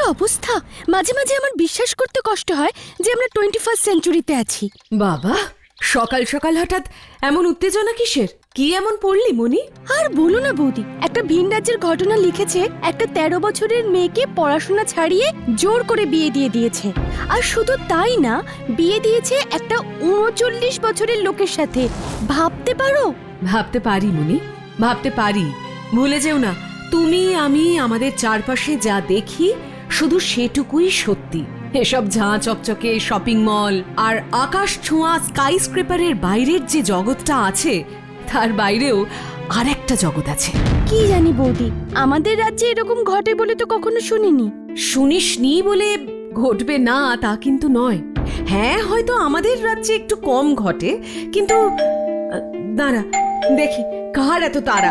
অবস্থা, মাঝে মাঝে আমার বিশ্বাস করতে কষ্ট হয় যে আমরা 21st সেঞ্চুরিতে আছি। বাবা, সকাল সকাল হঠাৎ এমন উত্তেজনা কিসের? কি এমন পড়লি মনি? আর বলো না বৌদি, একটা ভিন রাজ্যের ঘটনা লিখেছে। একটা 13 বছরের মেয়েকে পড়াশোনা ছাড়িয়ে জোর করে বিয়ে দিয়ে দিয়েছে। আর শুধু তাই না, বিয়ে দিয়েছে একটা 39 বছরের লোকের সাথে। ভাবতে পারো? ভাবতে পারি মনি, ভাবতে পারি। ভুলে যেও না, তুমি আমি আমাদের চারপাশে যা দেখি শুধু সেটুকুই সত্যি। এসব ঝাঁ চকচকে শপিং মল আর আকাশ ছোঁয়া স্কাই স্ক্রেপারের বাইরের যে জগৎটা আছে, তার বাইরেও আর একটা জগৎ আছে। কি জানি বৌদি, আমাদের রাজ্যে এরকম ঘটে বলে তো কখনো শুনিনি। শুনিসনি বলে ঘটবে না তা কিন্তু নয়। হ্যাঁ, হয়তো আমাদের রাজ্যে একটু কম ঘটে, কিন্তু দাঁড়া দেখি কার এত তারা।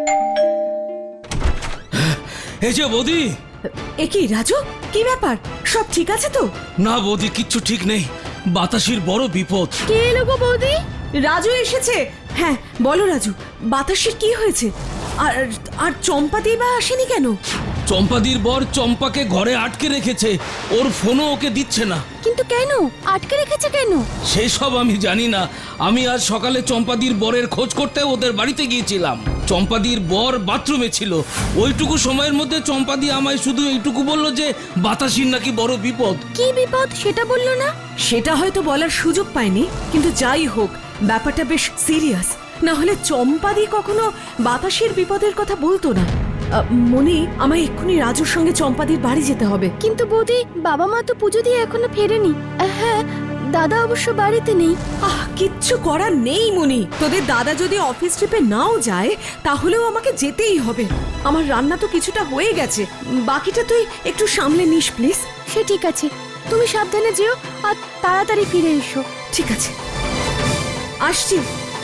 এই যে বৌদি। এ কি রাজু, কি ব্যাপার? সব ঠিক আছে তো? না বৌদি, কিচ্ছু ঠিক নেই। বাতাসির বড় বিপদ। কে এলো গো বৌদি? রাজু এসেছে। হ্যাঁ বলো রাজু, বাতাসের কি হয়েছে? আর আর চম্পাদি বা আসেনি কেন? চম্পাদির বর চম্পাকে ঘরে আটকে রেখেছে, ওর ফোনও ওকে দিচ্ছে না। কিন্তু কেন আটকে রেখেছে কেন? সেসব আমি জানি না। আমি আজ সকালে চম্পাদির বরের খোঁজ করতে ওদের বাড়িতে গিয়েছিলাম। চম্পাদির বর বাথরুমে ছিল। ওইটুকু সময়ের মধ্যে চম্পাদি আমায় শুধু এইটুকু বলল যে বাতাসির নাকি বড় বিপদ। কি বিপদ সেটা বললো না? সেটা হয়তো বলার সুযোগ পায়নি, কিন্তু যাই হোক ব্যাপারটা বেশ সিরিয়াস। না হলে চম্পাদি কখনো বাতাসের বিপদের কথা বলতো না। মনি, আমায় এক্ষুনি রাজুর সঙ্গে চম্পাদির বাড়ি যেতে হবে। কিন্তু বৌদি, বাবা মা তো পুজো দিয়ে এখনো ফেরেনি। হ্যাঁ, দাদা অবশ্য বাড়িতে নেই। কিচ্ছু করার নেই মনি। তোদের দাদা যদি অফিস ট্রিপে নাও যায়, তাহলেও আমাকে যেতেই হবে। আমার রান্না তো কিছুটা হয়ে গেছে, বাকিটা তুই একটু সামলে নিস প্লিজ। সে ঠিক আছে, তুমি সাবধানে যেও আর তাড়াতাড়ি ফিরে এসো। ঠিক আছে, আসছি।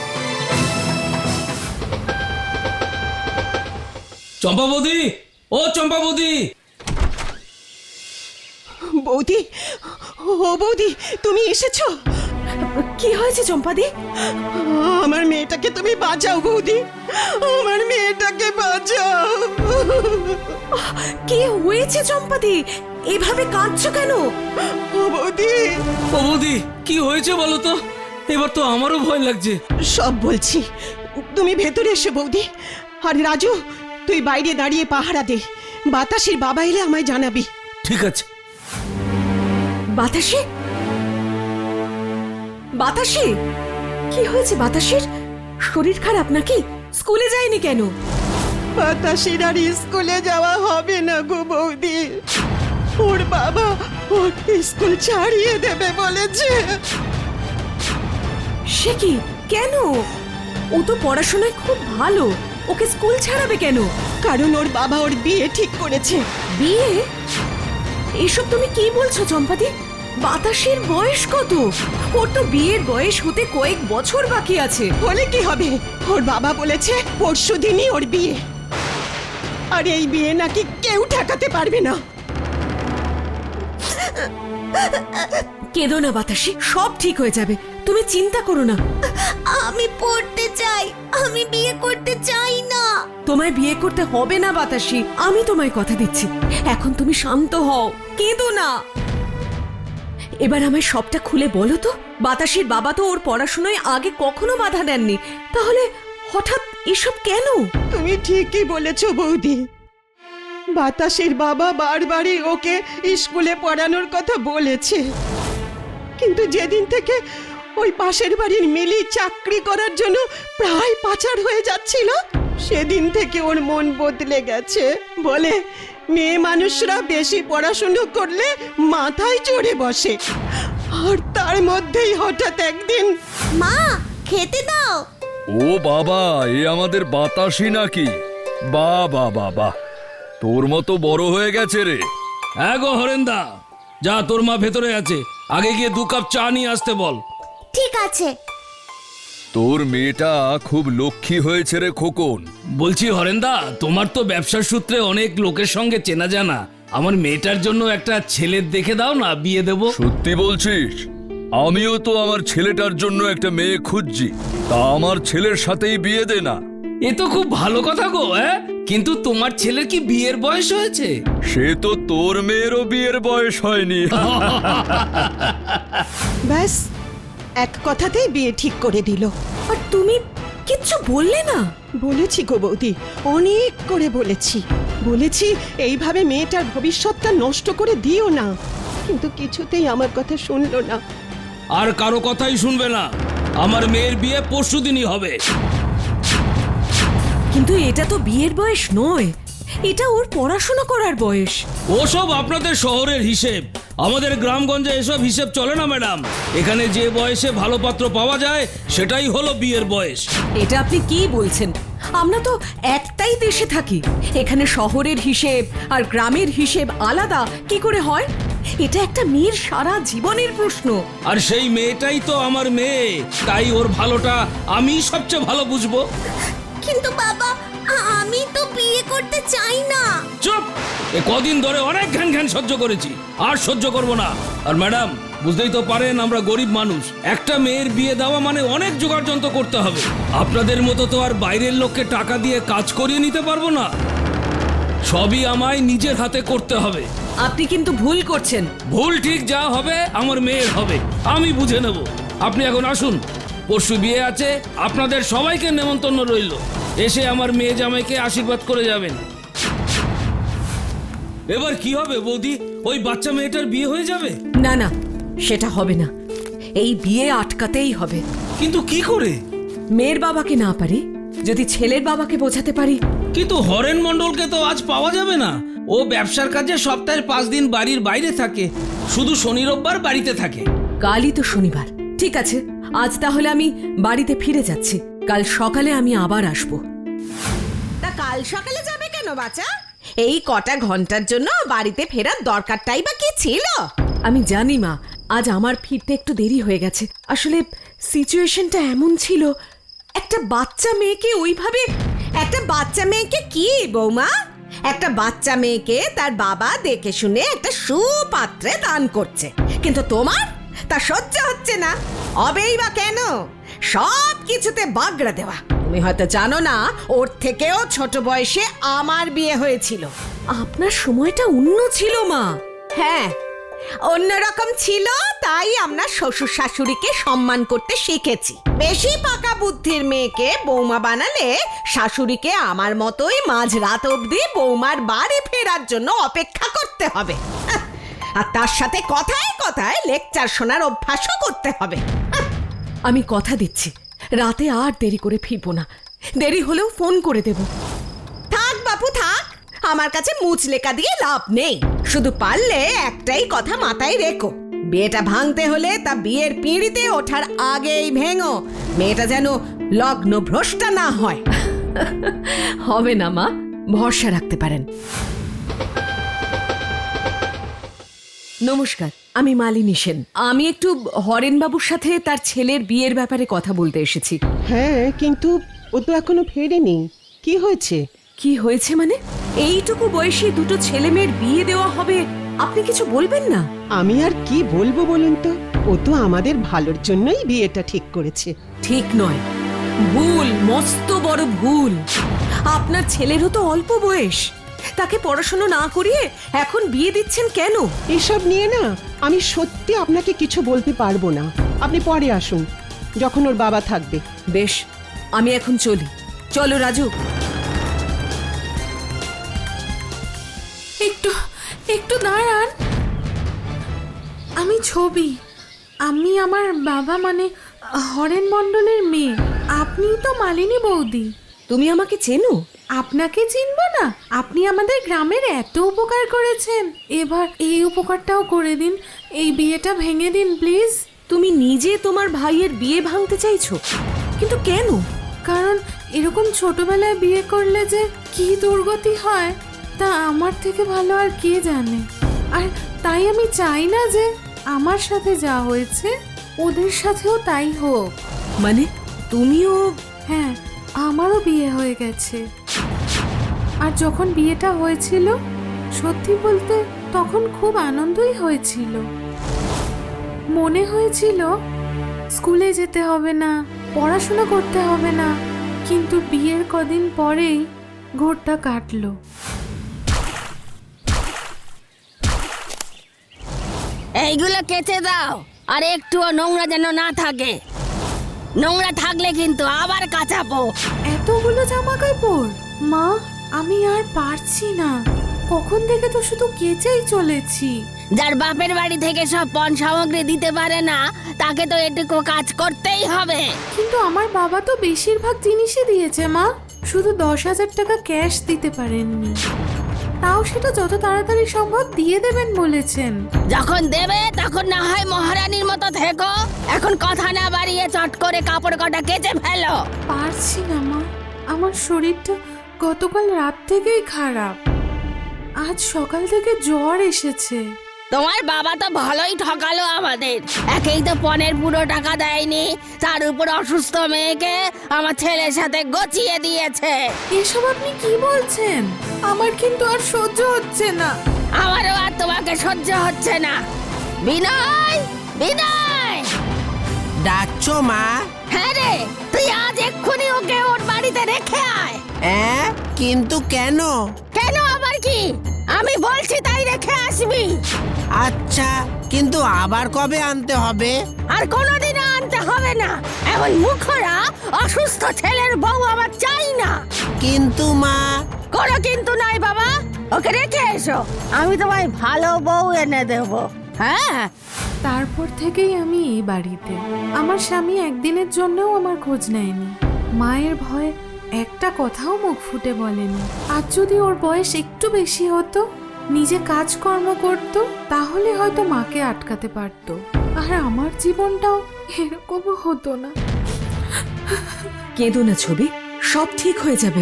চম্পা বৌদি, ও চম্পা বৌদি। বৌদি, ও বৌদি, তুমি এসেছো? কি হয়েছে চম্পাদি? আমার মেয়েটাকে তুমি বাঁচাও বৌদি, আমার মেয়েটাকে বাঁচাও। কি হয়েছে চম্পাদি? এভাবে কাঁদছো কেন? ও বৌদি, ও বৌদি, কি হয়েছে বলো তো? এবার তো আমারও ভয় লাগছে। সব বলছি, তুমি ভেতরে এসো বৌদি। আর রাজু, তুই বাইরে দাঁড়িয়ে পাহারা দে। বাতাসের বাবা এলে আমায় জানাবি। ঠিক আছে। বাতাসে? বাতাসে? কি হয়েছে বাতাসের? শরীর খারাপ নাকি? স্কুলে যায়নি কেন? বাতাসের আর স্কুলে যাওয়া হবে না গো বৌদি। ওর বাবা ওর স্কুল ছাড়িয়ে দেবে বলেছে। সে কি? কেন? ও তো পড়াশোনায় খুব ভালো, ওকে স্কুল ছাড়াবে কেন? কারণ ওর বাবা ওর বিয়ে ঠিক করেছে। বিয়ে? এসব তুমি কি বলছো চম্পাদি? বাতাসের বয়স কত? ওর তো বিয়ের বয়স হতে কয়েক বছর বাকি আছে। হলে কি হবে? ওর বাবা বলেছে পরশুদিনই ওর বিয়ে। আর এই বিয়ে নাকি কেউ ঠেকাতে পারবে না। কেঁদো না বাতাসি, সব ঠিক হয়ে যাবে, তুমি চিন্তা করো না। আমি পড়তে চাই, আমি বিয়ে করতে চাই না। তোমায় বিয়ে করতে হবে না বাতাসি, আমি তোমায় কথা দিচ্ছি। এখন তুমি শান্ত হও, কেঁদো না। এবার আমায় সবটা খুলে বলো তো, বাতাসির বাবা তো ওর পড়াশোনায় আগে কখনো বাধা দেননি, তাহলে হঠাৎ এসব কেন? তুমি ঠিকই বলেছ বৌদি। বাতাসের বাবা বারবারই ওকে স্কুলে পড়ানোর কথা বলেছে, কিন্তু যেদিন থেকে ওই পাশের বাড়ির মিলি চাকরি করার জন্য প্রায় পাচার হয়ে যাচ্ছিল, সেদিন থেকে ওর মন বদলে গেছে। বলে মেয়ে মানুষরা বেশি পড়াশুনো করলে মাথায় চড়ে বসে। আর তার মধ্যেই হঠাৎ একদিন, মা, খেতে দাও। ও বাবা, এ আমাদের বাতাসি নাকি? বাহ বাহ বাহ বাহ, তোর মতো বড় হয়ে গেছে রে। হ্যাঁ গো হরেন্দা, যা তোর মা ভেতরে আছে, আগে গিয়ে 2 কাপ চা নিয়ে আসতে বল। ঠিক আছে। তোর মেয়েটা খুব লক্ষ্মী হয়েছে রে খোকন। বলছি হরেন্দা, তোমার তো ব্যবসার সূত্রে অনেক লোকের সঙ্গে চেনা জানা। আমার মেয়েটার জন্য একটা ছেলে দেখে দাও না, বিয়ে দেব। সত্যি বলছিস? আমিও তো আমার ছেলেটার জন্য একটা মেয়ে খুঁজছি, তা আমার ছেলের সাথেই বিয়ে দে না। এ তো খুব ভালো কথা গো। কিন্তু তোমার ছেলের কি বিয়ের বয়স হয়েছে? সে তো তোর মেয়েরও বিয়ের বয়স হয়নি। ব্যাস এক কথাতেই বিয়ে ঠিক করে দিল। আর তুমি কিচ্ছু বললে না? বলেছি গো বৌদি, অনেক করে বলেছি এইভাবে মেয়েটার ভবিষ্যৎটা নষ্ট করে দিও না, কিন্তু কিছুতেই আমার কথা শুনলো না। আর কারো কথাই শুনবে না। আমার মেয়ের বিয়ে পরশুদিনই হবে। কিন্তু এটা তো বিয়ের বয়স নয়, এটা ওর পড়াশোনা করার বয়স। ওসব আপনাদের শহরের হিসেব, আমাদের গ্রামগঞ্জে এসব হিসেব চলে না ম্যাডাম। এখানে যে বয়সে ভালো পাত্র পাওয়া যায় সেটাই হলো বিয়ের বয়স। এটা আপনি কি বলছেন? আমরা তো একটাই দেশে থাকি, এখানে শহরের হিসেব আর গ্রামের হিসেব আলাদা কি করে হয়? এটা একটা মেয়ের সারা জীবনের প্রশ্ন। আর সেই মেয়েটাই তো আমার মেয়ে, তাই ওর ভালোটা আমি সবচেয়ে ভালো বুঝবো। কিন্তু বাবা, আমি তো বিয়ে করতে চাই না। চুপ! এ কদিন ধরে অনেক ঘ্যান ঘ্যান সহ্য করেছি, আর সহ্য করব না। আর ম্যাডাম, বুঝতেই তো পারেন আমরা গরিব মানুষ, একটা মেয়ের বিয়ে দেওয়া মানে অনেক জোগাড় যন্ত্র করতে হবে। আপনাদের মতো তো আর বাইরের লোককে টাকা দিয়ে কাজ করিয়ে নিতে পারবো না, সবই আমায় নিজের হাতে করতে হবে। আপনি কিন্তু ভুল করছেন। ভুল ঠিক যা হবে আমার মেয়ের হবে, আমি বুঝে নেব। আপনি এখন আসুন, পরশু বিয়ে আছে, আপনাদের সবাইকে নেমন্তন্ন রইল। এসে আমার মেয়ে জামাইকে আশীর্বাদ করে যাবেন। এবার কি হবে বৌদি? ওই বাচ্চা মেয়েটার বিয়ে হয়ে যাবে? না না, সেটা হবে না। এই বিয়ে আটকাতেই হবে। কিন্তু কি করে? মেয়ের বাবাকে না পারি, যদি ছেলের বাবাকে বোঝাতে পারি। কিন্তু হরেন মণ্ডলকে তো আজ পাওয়া যাবে না। ও ব্যবসার কাজে সপ্তাহের 5 দিন বাড়ির বাইরে থাকে, শুধু শনি রোববার বাড়িতে থাকে। কালই তো শনিবার। ঠিক আছে, আজ তাহলে আমি বাড়িতে ফিরে যাচ্ছি, কাল সকালে আমি আবার আসবো। তা কাল সকালে যাবে কেন বাচ্চা? এই কটা ঘন্টার জন্য বাড়িতে ফেরার দরকারটাই বা কি ছিল? আমি জানি মা, আজ আমার ফিরতে একটু দেরি হয়ে গেছে। আসলে সিচুয়েশনটা এমন ছিল, একটা বাচ্চা মেয়েকে ওইভাবে। একটা বাচ্চা মেয়েকে কি বৌমা? একটা বাচ্চা মেয়েকে তার বাবা দেখে শুনে একটা সুপাত্রে দান করছে, কিন্তু তোমার তা সহ্য হচ্ছে না। হবেই বা কেন? সব কিছুতে বাগড়া দেওয়া। তুমি হয়তো জানো না, ওর থেকেও ছোট বয়সে আমার বিয়ে হয়েছিল। আপনার সময়টা অন্য ছিল মা। হ্যাঁ, অন্যরকম ছিল, তাই আমরা শ্বশুর শাশুড়িকে সম্মান করতে শিখেছি। বেশি পাকা বুদ্ধির মেয়েকে বৌমা বানালে শাশুড়িকে আমার মতোই মাঝরাত অবধি বৌমার বাড়ি ফেরার জন্য অপেক্ষা করতে হবে। হাহ, আর তার সাথে কথায় কথায় লেকচার শোনার অভ্যাসও করতে হবে। হাহ, আমি কথা দিচ্ছি, রাতে আর দেরি করে ফিরবো না। দেরি হলেও ফোন করে দেব। থাক বাপু থাক, আমার কাছে মুচলেকা দিয়ে লাভ নেই। শুধু পারলে একটাই কথা মাথায় রেখো, বিয়েটা ভাঙতে হলে তা বিয়ের পিঁড়িতে ওঠার আগেই ভেঙো। মেয়েটা যেন লগ্ন ভ্রষ্টা না হয়। হবে না মা, ভরসা রাখতে পারেন। নমস্কার, আমি মালিনী সেন। আমি একটু হরেনবাবুর সাথে তার ছেলের বিয়ের ব্যাপারে কথা বলতে এসেছি। হ্যাঁ, কিন্তু ও তো এখনো ফেরেনি। কি হয়েছে? কি হয়েছে মানে? এইটুকু বয়সে দুটো ছেলে মেয়ের বিয়ে দেওয়া হবে, আপনি কিছু বলবেন না? আমি আর কি বলবো বলুন তো, ও তো আমাদের ভালোর জন্যই বিয়েটা ঠিক করেছে। ঠিক নয়, ভুল, মস্ত বড় ভুল। আপনার ছেলেরও তো অল্প বয়স, তাকে পড়াশোনা না করিয়ে এখন বিয়ে দিচ্ছেন কেন? এসব নিয়ে না আমি সত্যি আপনাকে কিছু বলতে পারবো না। আপনি পরে আসুন, যখন ওর বাবা থাকবে। বেশ, আমি এখন চলি। চলো রাজু। একটু দাঁড়ান। আমি ছবি, আমি আমার বাবা মানে হরেন মণ্ডলের মেয়ে। আপনি তো মালিনী বৌদি। তুমি আমাকে চেনো? আপনাকে চিনবো না? আপনি আমাদের গ্রামের এত উপকার করেছেন, এবার এই উপকারটাও করে দিন। এই বিয়েটা ভেঙে দিন প্লিজ। তুমি নিজে তোমার ভাইয়ের বিয়ে ভাঙতে চাইছো, কিন্তু কেন? কারণ এরকম ছোটবেলায় বিয়ে করলে যে কি দুর্গতি হয় তা আমার থেকে ভালো আর কে জানে। আর তাই আমি চাই না যে আমার সাথে যা হয়েছে ওদের সাথেও তাই হোক। মানে তুমিও? হ্যাঁ, আমারও বিয়ে হয়ে গেছে। আর যখন বিয়েটা হয়েছিল, সত্যি বলতে তখন খুব আনন্দই হয়েছিল। মনে হয়েছিল স্কুলে যেতে হবে না, পড়াশোনা করতে হবে না। কিন্তু বিয়ের কদিন পরেই ঘোরটা কাটলো। এইগুলো কেচে দাও, আর একটুও নোংরা যেন না থাকে। নোংরা থাকলে কিন্তু আবার কাচাবো। এতগুলো জামা কাপড়! মা, আমি আর পারছি না। কখন থেকে তো শুধু কেচেই চলেছি। যার বাপের বাড়ি থেকে সব পণ সামগ্রী দিতে পারে না, তাকে তো এটুকু কাজ করতেই হবে। কিন্তু আমার বাবা তো বেশিরভাগ জিনিসই দিয়েছে মা, শুধু 10,000 টাকা ক্যাশ দিতে পারেননি। তাও সেটা যত তাড়াতাড়ি সম্ভব দিয়ে দেবেন বলেছেন। যখন দেবে তখন না হয় মহারানীর মতো থেকো। এখন কথা না বাড়িয়ে চট করে কাপড় কটা কেচে ফেলো। পারছি না মা, আমার শরীরটা গতকাল রাত থেকেই খারাপ। আজ সকাল থেকে জ্বর এসেছে। তোমার বাবা তো ভালোই ঠকালো আমাদের। একেই তো পণের পুরো টাকা দেয়নি, তার উপর অসুস্থ মেয়েকে আমার ছেলের সাথে গচিয়ে দিয়েছে। এসব আপনি কি বলছেন? আমার কিন্তু আর সহ্য হচ্ছে না। আমারও আর তোমাকে সহ্য হচ্ছে না। বিনয়, বিনয়! ডাকছো মা? হ্যাঁ রে, তুই আজ এক্ষুনি ওকে ওর বাড়িতে রেখে আয়। কিন্তু কেন? কেন আবার কি? আমি বলছি তাই রেখে আসবি। আচ্ছা, কিন্তু আবার কবে আনতে হবে? আর কোনোদিনও আনতে হবে না। এমন মুখরা অসুস্থ ছেলের বউ আমার চাই না। কিন্তু মা। কোনো কিন্তু নাই বাবা, ওকে রেখে এসো। আমি তোমায় ভালো বউ এনে দেব। হ্যাঁ, তারপর থেকেই আমি এই বাড়িতে। আমার স্বামী একদিনের জন্যও আমার খোঁজ নেয়নি। মায়ের ভয়ে একটা কথাও মুখ ফুটে বলেনি। আজ যদি ওর বয়স একটু বেশি হতো, নিজে কাজকর্ম করত, তাহলে হয়তো মাকে আটকাতে পারতো। আর আমার জীবনটাও এরকমও হতো না। কেঁদো না ছবি, সব ঠিক হয়ে যাবে।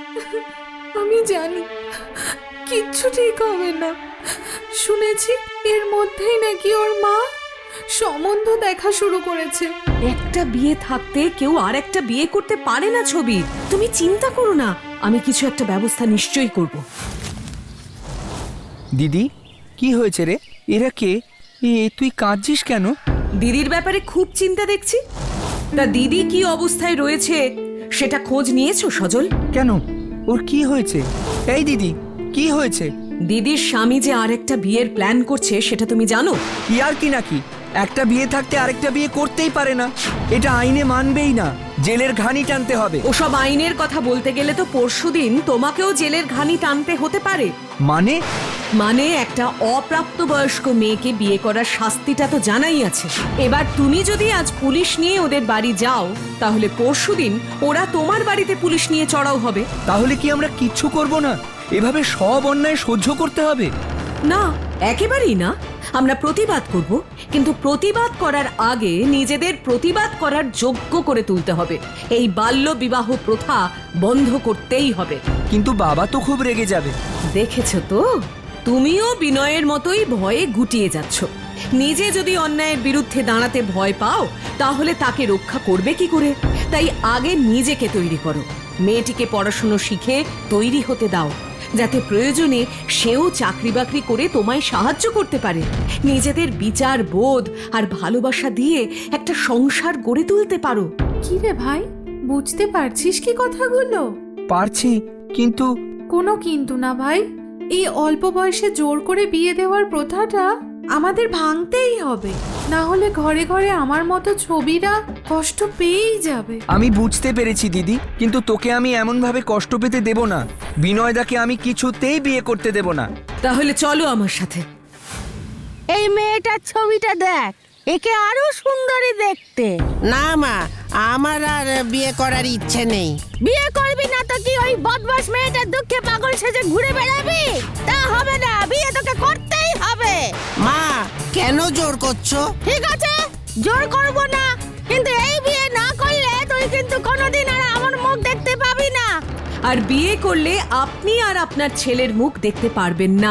আমি জানি কিচ্ছু ঠিক হবে না। শুনেছি এর মধ্যেই নাকি ওর মা সম্বন্ধ দেখা শুরু করেছে। একটা বিয়ে থাকতে কেউ আর একটা বিয়ে করতে পারে না ছবি। তুমি চিন্তা করো না, আমি কিছু একটা ব্যবস্থা নিশ্চয়ই করব। দিদি, কি হয়েছে রে? এরা কে? তুই কাঁদছিস কেন? দিদির ব্যাপারে খুব চিন্তা দেখছি। তা দিদি কি অবস্থায় রয়েছে সেটা খোঁজ নিয়েছো সজল? কেন, ওর কি হয়েছে? এই দিদি, কি হয়েছে? দিদির স্বামী যে আরেকটা বিয়ের প্ল্যান করছে সেটা তুমি জানো? ইয়ার কি নাকি? একটা বিয়ে থাকতে আরেকটা বিয়ে করতেই পারে না, এটা আইনে মানবেই না। জেলের ঘানি টানতে হবে। ওসব আইনের কথা বলতে গেলে তো পরশুদিন তোমাকেও জেলের ঘানি টানতে হতে পারে। মানে একটা অপ্রাপ্তবয়স্ক মেয়েকে বিয়ে করার শাস্তিটা তো জানাই আছে। এবার তুমি যদি আজ পুলিশ নিয়ে ওদের বাড়ি যাও, তাহলে পরশুদিন ওরা তোমার বাড়িতে পুলিশ নিয়ে চড়াও হবে। তাহলে কি আমরা কিচ্ছু করব না? এভাবে সব অন্যায় সহ্য করতে হবে? না, একেবারেই না। আমরা প্রতিবাদ করব, কিন্তু প্রতিবাদ করার আগে নিজেদের প্রতিবাদ করার যোগ্য করে তুলতে হবে। এই বাল্য বিবাহ প্রথা বন্ধ করতেই হবে। কিন্তু বাবা তো খুব রেগে যাবে। দেখেছো তো, তুমিও বিনয়ের মতোই ভয়ে গুটিয়ে যাচ্ছ। নিজে যদি অন্যায়ের বিরুদ্ধে দাঁড়াতে ভয় পাও, তাহলে তাকে রক্ষা করবে কি করে? তাই আগে নিজেকে তৈরি করো। মেয়েটিকে পড়াশুনো শিখে তৈরি হতে দাও, যাতে প্রয়োজনে সেও চাকরি বাকরি করে তোমায় সাহায্য করতে পারে। নিজেদের বিচার বোধ আর ভালোবাসা দিয়ে একটা সংসার গড়ে তুলতে পারো। কি রে ভাই, বুঝতে পারছিস কি কথাগুলো? পারছি, কিন্তু কোনো কিন্তু না ভাই। এই অল্প বয়সে জোর করে বিয়ে দেওয়ার প্রথাটা আমাদের ভাঙতেই হবে। না হলে ঘরে ঘরে আমার মতো ছবিরা কষ্ট পেয়েই যাবে। আমি বুঝতে পেরেছি দিদি, কিন্তু তোকে আমি এমন ভাবে কষ্ট পেতে দেব না। বিনয়দাকে আমি কিছুতেই বিয়ে করতে দেব না। তাহলে চলো আমার সাথে। এই মেয়েটার ছবিটা দেখ, একে আরো সুন্দরী দেখতে। না মা, আমার আর বিয়ে করার ইচ্ছে নেই। বিয়ে করবি না তো কি ওই বদমাস মেয়েটার দুঃখে পাগল সেজে ঘুরে বেড়াবি? তা হবে না, বিয়ে তোকে করতেই হবে। মা, কেন জোর করছো? ঠিক আছে, জোর করব না, কিন্তু এই বিয়ে না করলে তুই কিন্তু কোনোদিন আর আমার মুখ দেখতে পাবি না। আর বিয়ে করলে আপনি আর আপনার ছেলের মুখ দেখতে পারবেন না,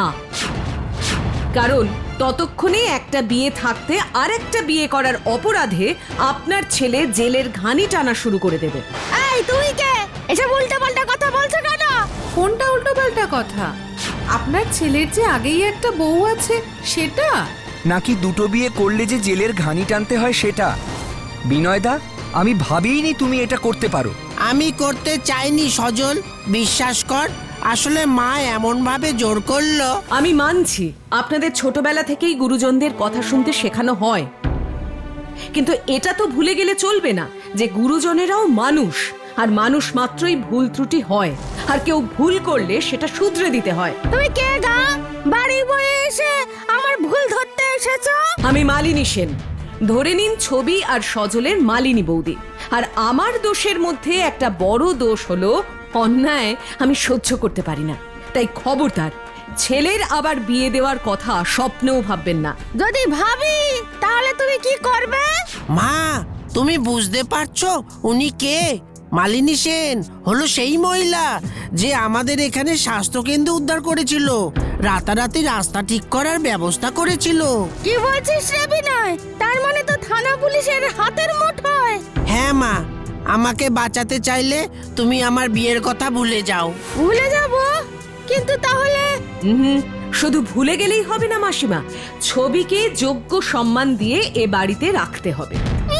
কারণ ততক্ষণে একটা বিয়ে থাকতে আরেকটা বিয়ে করার অপরাধে আপনার ছেলে জেলের ঘানি টানা শুরু করে দেবে। এই তুই কে? এসব উল্টোপাল্টা কথা বলছো কেন? কোনটা উল্টোপাল্টা কথা? আপনার ছেলের যে আগেই একটা বউ আছে সেটা? নাকি দুটো বিয়ে করলে যে জেলের ঘানি টানতে হয় সেটা? বিনয়দা, আমি ভাবিনি তুমি এটা করতে পারো। আমি করতে চাইনি সজল, বিশ্বাস কর। আসলে মা এমন ভাবে জোর করলো। আমি মানছি আপনাদের ছোটবেলা থেকেই গুরুজনদের কথা শুনতে শেখানো হয়, কিন্তু এটা তো ভুলে গেলে চলবে না যে গুরুজনেরাও মানুষ, আর মানুষ মাত্রই ভুল ত্রুটি হয়, আর কেউ ভুল করলে সেটা শুধরে দিতে হয়। তুমি কে গা বাড়ি বয়ে এসে আমার ভুল ধরতে এসেছো? আমি মালিনী সেন, ধরে নিন ছবি আর সজলের মালিনী বৌদি। আর আমার দোষের মধ্যে একটা বড় দোষ হলো অন্যায় আমি সহ্য করতে পারি না। তাই খবরদার ছেলের আবার বিয়ে দেওয়ার কথা স্বপ্নেও ভাববেন না। যদি ভাবি তাহলে তুমি কি করবে? মা, তুমি বুঝতে পারছো উনি কে? মালিনী সেন হলো সেই মহিলা যে আমাদের এখানে স্বাস্থ্যকেন্দ্র উদ্ধার করেছিল, রাতারাতি রাস্তা ঠিক করার ব্যবস্থা করেছিল। কি বলছিস রে বিনয়? তার মানে তো থানা পুলিশের হাতের মুঠোয়। হ্যাঁ মা, আমাকে বাঁচাতে চাইলে তুমি আমার বিয়ের কথা ভুলে যাও। ভুলে যাব? কিন্তু তাহলে শুধু ভুলে গেলেই হবে না মাসিমা, ছবিকে যোগ্য সম্মান দিয়ে এ বাড়িতে রাখতে হবে।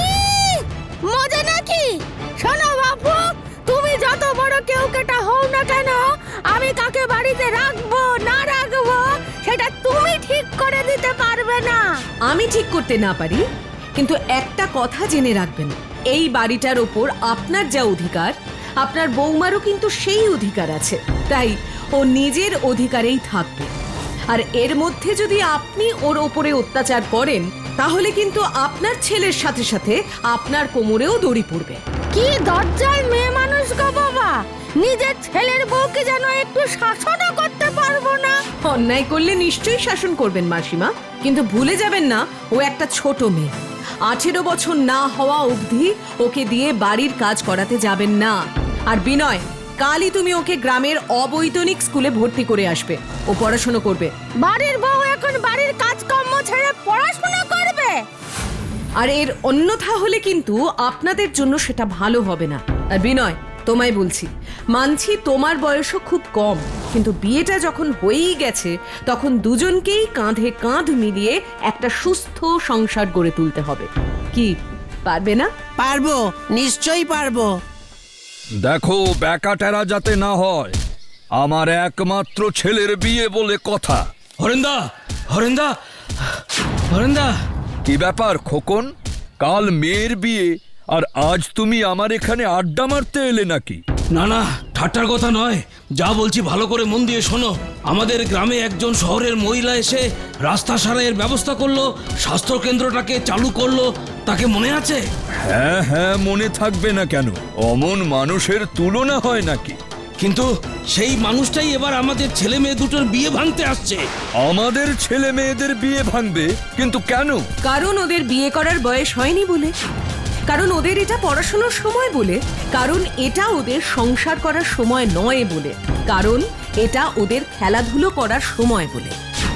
মজা নাকি? শোনো বাপু, তুমি যত বড় কেউ কেটা হও না কেন, আমি কাকে বাড়িতে রাখবো না রাখবো সেটা তুমি ঠিক করে দিতে পারবে না। আমি ঠিক করতে না পারি, কিন্তু একটা কথা জেনে রাখবেন, এই বাড়িটার ওপর আপনার যা অধিকার, আপনার বৌমারও কিন্তু সেই অধিকার আছে। তাই ও নিজের অধিকারেই থাকবে। আর এর মধ্যে যদি আপনি ওর ওপরে অত্যাচার করেন, তাহলে কিন্তু আপনার ছেলের সাথে সাথে আপনার কোমরেও দড়ি পড়বে। কি দরজাল মেয়ে মানুষ গো বাবা, নিজের ছেলের বউকে যেন একটু শাসনও করতে পারবো না। অন্যায় করলে নিশ্চয়ই শাসন করবেন মাসিমা, কিন্তু ভুলে যাবেন না ও একটা ছোট মেয়ে। 18 বছর না হওয়া অবধি ওকে দিয়ে বাড়ির কাজ করাতে যাবেন না। আর বিনয়, কালই তুমি ওকে গ্রামের অবৈতনিক স্কুলে ভর্তি করে আসবে, ও পড়াশোনা করবে। বাড়ির বউ এখন বাড়ির কাজকর্ম ছেড়ে পড়াশোনা করবে? আর এর অন্যথা হলে কিন্তু আপনাদের জন্য সেটা ভালো হবে না। আর বিনয়, তোমায় বলছি, মানছি তোমার বয়সও খুব কম, কিন্তু বিয়েটা যখন হয়েই গেছে তখন দুজনকেই কাঁধে কাঁধ মিলিয়ে একটা সুস্থ সংসার গড়ে তুলতে হবে। কি পারবে না? পারবো, নিশ্চয়ই পারবো। দেখো ব্যাকাটেরা যাতে না হয়, আমার একমাত্র ছেলের বিয়ে বলে কথা। হরেন্দা, হরেন্দা, হরেন্দা, কি ব্যাপার খোকন, কাল মেয়ের বিয়ে আর আজ তুমি আমার এখানে আড্ডা মারতে এলে নাকি? না না, ঠাট্টার কথা নয়, যা বলছি ভালো করে মন দিয়ে শোনো। আমাদের গ্রামে একজন শহরের মহিলা এসে রাস্তা সারাইয়ের ব্যবস্থা করলো, স্বাস্থ্য কেন্দ্রটাকে চালু করলো, তাকে মনে আছে? হ্যাঁ হ্যাঁ, মনে থাকবে না কেন? অমন মানুষের তুলনা হয় নাকি? কিন্তু সেই মানুষটাই এবার আমাদের ছেলে মেয়ে দুটোর বিয়ে ভাঙতে আসছে। আমাদের ছেলে মেয়েদের বিয়ে ভাঙবে? কিন্তু কেন? কারণ ওদের বিয়ে করার বয়স হয়নি বলে, কারণ ওদের এটা পড়াশোনার সময় বলে, কারণ এটা ওদের সংসার করার সময় নয় বলে, কারণ এটা ওদের খেলাধুলো করার সময় বলে।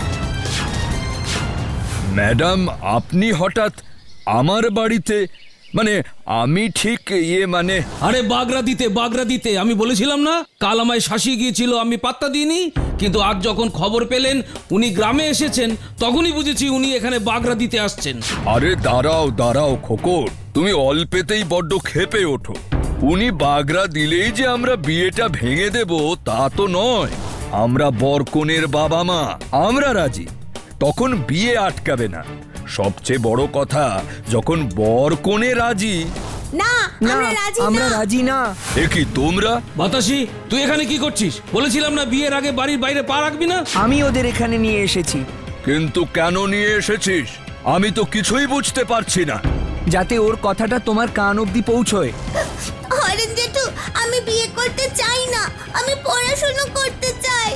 ম্যাডাম, আপনি হঠাৎ আমার বাড়িতে, মানে আমি ঠিক মানে আরে বাগরা দিতে আমি বলেছিলাম না, কাল আমায় শাসিয়ে গিয়েছিল, আমি পাত্তা দিইনি। কিন্তু আজ যখন খবর পেলেন উনি গ্রামে এসেছেন, তখনই বুঝেছি উনি এখানে বাগরা দিতে আসছেন। আরে দাঁড়াও দাঁড়াও খোকন, তুমি অল্পেতেই বড্ড ক্ষেপে ওঠো। উনি বাগরা দিলেই যে আমরা বিয়েটা ভেঙে দেব তা তো নয়। আমরা বরকনের বাবা মা, আমরা রাজি, তখন বিয়ে আটকাবে না। সবচেয়ে বড় কথা, যখন বরকনে রাজি। না, না, আমরা রাজি না। এ কি তোমরা? বাতাসি, তুই এখানে কি করছিস? বলেছিলাম না বিয়ের আগে বাড়ির বাইরে পা রাখবি না। আমি ওদের এখানে নিয়ে এসেছি কিন্তু কেন নিয়ে এসেছিস আমি তো কিছুই বুঝতে পারছি না। যাতে ওর কথাটা তোমার কান অবধি পৌঁছয়। হরেন জেঠু, আমি বিয়ে করতে চাই না, আমি পড়াশোনা করতে চাই।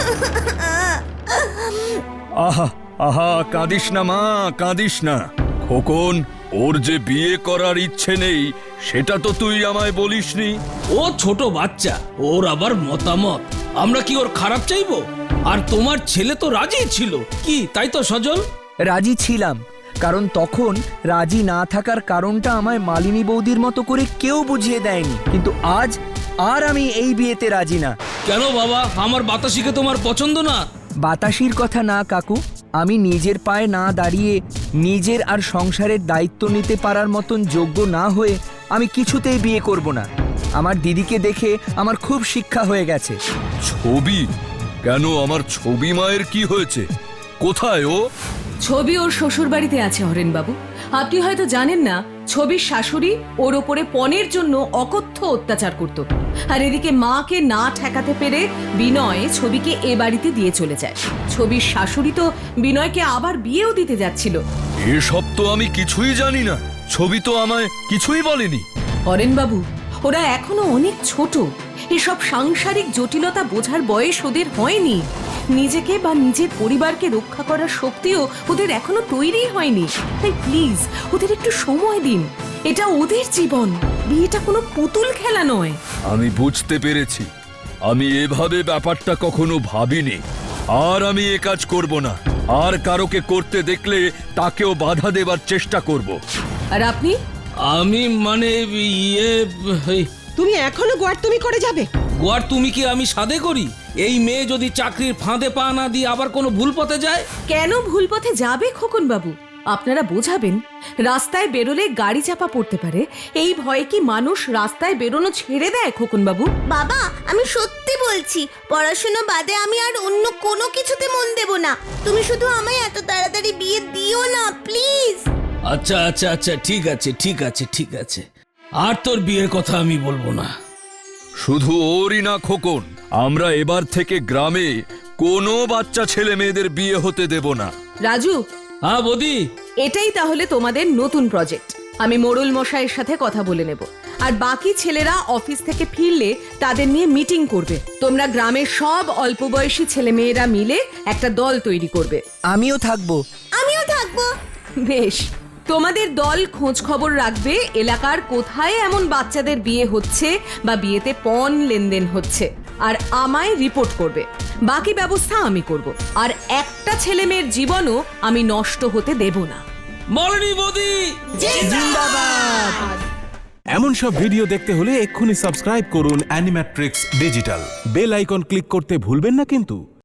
আহা আহা, কাঁদিস না মা, কাঁদিস না। খোকন, ওর যে বিয়ে করার ইচ্ছে নেই সেটা তো তুই আমায় বলিসনি। ও ছোট বাচ্চা, ওর আবার মতামত, আমরা কি ওর খারাপ চাইবো? আর তোমার ছেলে তো রাজি ছিল, কি তাই তো সজল? রাজি ছিলাম, কারণ তখন রাজি না থাকার কারণটা আমায় মালিনী বৌদির মতো করে কেউ বুঝিয়ে দেয়নি। কিন্তু আজ আর আমি এই বিয়েতে রাজি না। কেন বাবা, আমার বাতাসিকে তোমার পছন্দ না? বাতাসির কথা না কাকু, আমি নিজের পায়ে না দাঁড়িয়ে নিজের আর সংসারের দায়িত্ব নিতে পারার মতন যোগ্য না হয়ে আমি কিছুতেই বিয়ে করব না। আমার দিদিকে দেখে আমার খুব শিক্ষা হয়ে গেছে। ছবি? কেন, আমার ছবি মায়ের কি হয়েছে? কোথায় ও? ছবি ওর শ্বশুর বাড়িতে আছে হরেনবাবু। আপনি হয়তো জানেন না, ছবির শাশুড়ি ওর ওপরে পণের জন্য অকথ্য অত্যাচার করত। আর এদিকে মাকে না ঠেকাতে পেরে বিনয় ছবিকে এ বাড়িতে দিয়ে চলে যায়। ছবির শাশুড়ি তো বিনয়কে আবার বিয়েও দিতে যাচ্ছিল। এসব তো আমি কিছুই জানি না। ছবি তো আমায় কিছুই বলেনি। হরেনবাবু, ওরা এখনো অনেক ছোট। এসব সাংসারিক জটিলতা বোঝার বয়স ওদের হয়নি। নিজেকে বা নিজের পরিবারকে রক্ষা করার শক্তিও ওদের এখনো তৈরি হয়নি। তাই প্লিজ ওদের একটু সময় দিন। এটা ওদের জীবন, বিয়েটা কোনো পুতুল খেলা নয়। আমি বুঝতে পেরেছি। আমি এভাবে ব্যাপারটা কখনো ভাবিনি। আর আমি এ কাজ করব না। আর কারোকে করতে দেখলে তাকেও বাধা দেবার চেষ্টা করব। আর আপনি? আমি মানে তুমি এখনো গোয়ার তুমি করে যাবে? গোয়ার তুমি কি আমি সাধে করি? এই মেয়ে যদি চাকরির ফাঁদে পা না দিয়ে আবার কোনো ভুল পথে যায়? কেন ভুল পথে যাবে খোকন বাবু? আপনারা বোঝাবেন, রাস্তায় বেরোলে গাড়ি চাপা পড়তে পারে, এই ভয়ে কি মানুষ রাস্তায় বেরোনো ছেড়ে দেয় খোকন বাবু? বাবা, আমি সত্যি বলছি, পড়াশোনা বাদে আমি আর অন্য কোনো কিছুতে মন দেব না। তুমি শুধু আমায় এত তাড়াতাড়ি বিয়ে দিও না প্লিজ। আচ্ছা আচ্ছা আচ্ছা, ঠিক আছে ঠিক আছে ঠিক আছে, আর তোর বিয়ের কথা আমি বলবো না। শুধু ওরই না খোকন, আমরা এবার থেকে গ্রামে কোনো বাচ্চা ছেলে মেয়েদের বিয়ে হতে দেব না। রাজু, হ্যাঁ বৌদি। এটাই তাহলে তোমাদের নতুন প্রজেক্ট। আমি মোড়ল মশাইয়ের সাথে কথা বলে নেব। আর বাকি ছেলেরা অফিস থেকে ফিরলে তাদের নিয়ে মিটিং করবে। তোমরা গ্রামের সব অল্প বয়সী ছেলে মেয়েরা মিলে একটা দল তৈরি করবে। আমিও থাকবো। আমিও থাকবো। বেশ, তোমাদের দল খোঁজ খবর রাখবে এলাকার কোথায় এমন বাচ্চাদের বিয়ে হচ্ছে বা বিয়েতে পণ লেনদেন হচ্ছে, আর আমায় রিপোর্ট করবে। বাকি ব্যবস্থা আমি করব। আর একটা ছেলে মেয়ের জীবনও আমি নষ্ট হতে দেব না। মরণী বৌদি জিন্দাবাদ। এমন সব ভিডিও দেখতে হলে এক্ষুনি সাবস্ক্রাইব করুন Animatrix digital. Bell icon click করতে ভুলবেন না কিন্তু।